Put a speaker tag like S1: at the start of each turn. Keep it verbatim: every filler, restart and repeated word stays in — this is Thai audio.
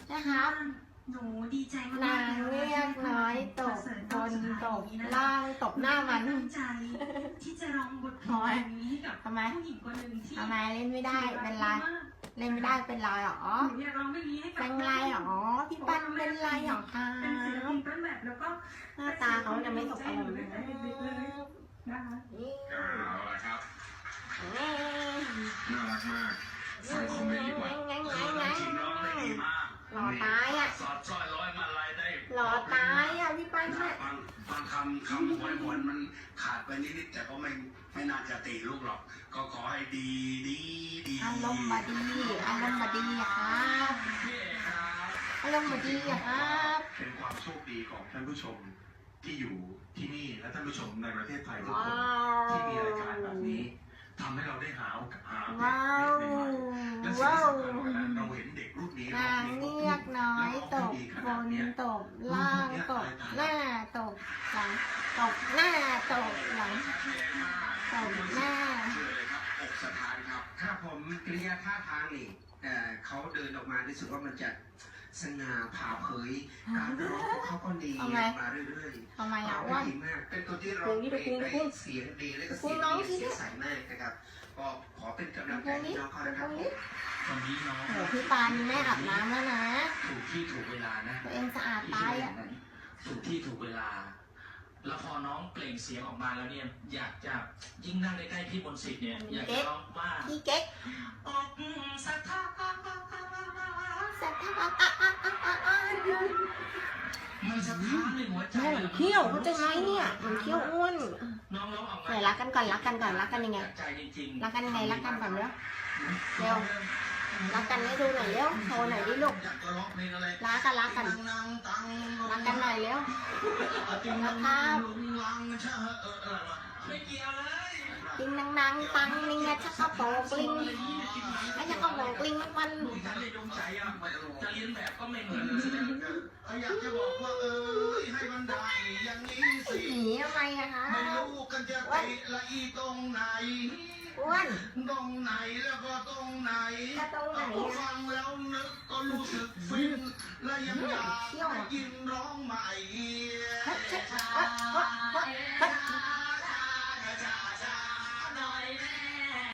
S1: นะครับ
S2: หนูดีใจมาก
S1: นางเรียกน้อยตกบนตกล่างตกหน้ามัน
S2: ตั้งใจที่จะร้องบทเพลงนี้ให้กับ
S1: ทำไม
S2: ผู้หญิงคนหนึ่งที่
S1: ทำไมเล่นไม่ได้เป็นไรเล่นไม่ได้เป็นไรหรอ
S2: หนูอยากร้องเพลงนี้ให้กับ
S1: เป็นไรหรอพี่ปั้นเป็นไรหรอคะ
S2: เป็นศิลปินต้นแบบแล้วก็
S1: หน้าตาเขาจะไม่ตกอารมณ์เลย
S2: นะคะ
S3: เอาละครับ น่ารักมากฟังคอมเมนต์ดีกว่า
S1: งั้น
S3: เอ
S1: งั้น
S3: อ
S1: งั้น
S3: จริงน้องได้ดีมาก
S1: หล่อตายอ่ะ
S3: สอดสร้อยร้อยมาลายได้
S1: หล่อตายอ่ะพี่ปั้น
S3: บา
S1: เนี่ย
S3: งบางคำคำหวยหวนมันขาดไปนิดๆแต่ก็ไม่ไม่น่าจะตีลูกหรอก ก็ขอให้ดีดีดี
S1: อารมณ์บดีอารมณ์บดีอะครับ
S3: พี่เอกครับ
S1: อารมณ์บดีอะครับ
S4: เป็นความโชคดีของท่านผู้ชมที่อยู่ที่นี่และท่านผู้ชมในประเทศไทยทุก
S1: ว้า
S4: คน
S1: ว
S4: ที่มีรายการแบบนี้ทำให้เราได้หาโอกาสหาเพล
S1: ว้าง ว
S4: ใหม่ๆและสิ่ง
S1: ว้า
S4: ที่
S1: ว
S4: สำคัญกว่านั้นเราเห็นเด็กรุ่นนี้
S1: นางเรียกน้อยตกบนตกล่างตกหน้าตกหลังตกหน้าตกหลังตกหน้า
S3: เชื่อเลยครับอกสถานครับ
S5: ครับผมกริยาท่าทางนี่เอ่อเขาเดินออกมารู้สึกว่ามันจะสง่าผ่าเผย การร้องของเขาก็ดี
S1: ทำไม
S5: มาเรื่อยๆ
S1: ทำไมอ่ะ
S5: ร้ง
S1: ว่า
S5: ได้ดีมาก เป็นตัวที่ร้องเพลงได้เสียงดีและก็เสียง
S1: ร้อง
S5: ดี
S1: สิ
S5: เสียงใสมากนะครับ ก็ขอเป็นกำลังใจ
S1: ตรง
S5: ให้
S1: นี้
S5: น้องเขา
S1: ตร
S5: นะครับ
S1: งนี้
S4: วันนี้น้อง
S1: โหพี่ปานแม่อาบน้ำแล้วนะ
S4: ถูกที่ถูกเวลานะ
S1: ตัวเองสะอาดตายอ่ะ
S4: ถูกที่ถูกเวลา แล้วพอน้องเปล่งเสียงออกมาแล้วเนี่ยอยากจะยิ่งนั่งใกล้ๆพี่มนต์สิทธิ์เนี่ยอยากจะร้องว่า
S1: พี่เก๊ก
S4: อกสถาน
S1: สัตว์อ่ะอ่ะอ่ะอ่ะอ่ะอ่ะ
S4: มันสะท้านในหัวใจ
S1: แม่มันเขี้ยวเข้าใจไหมเนี่ยมันเขี้ยวอ้วน
S4: น้องร้องออกมา
S1: ไหนรักกันก่อนรักกันก่อนรักกันยังไง
S4: จากใจจริงๆ
S1: รักกันยังไงรักกันก่อนเร็วเร็วรักกันให้ดูหน่อยเร็วโชว์หน่อยดิลูก
S3: อยากจะร้องเพลงอะไร
S1: รักกันรักกัน
S3: นังตัง
S1: รักกันหน่อยเร็ว นะครับ
S3: ลังชะเอออะไรวะ
S4: ไม่เกี่ยวเลย
S1: ติงนังนังตังนิงอะชักกระโปรงลิงไอ้ชักกระโปรงลิงมัน
S4: ลูกฉันในดวงใจอ่ะ
S3: ไม่รู้
S4: จะเรียนแบบก็ไม่เหมือนแสดง
S3: อยากจะบอกว่าเอ้ยให้มันได้อย่างนี้สิ
S1: หนีทำไมอะคะ
S3: ไม่รู้กันจะไปละอีตรงไหน
S1: อ้วน
S3: ตรงไหนแล้วก็ตรงไหน
S1: จะตรงไหนอะ
S3: ฟังแล้วนึกก็รู้สึกฟิน และยังอยากได้ยินร้องใหม่
S1: เฮ้ยเฮ้ยเฮ้ยเฮ้ยเฮ้ย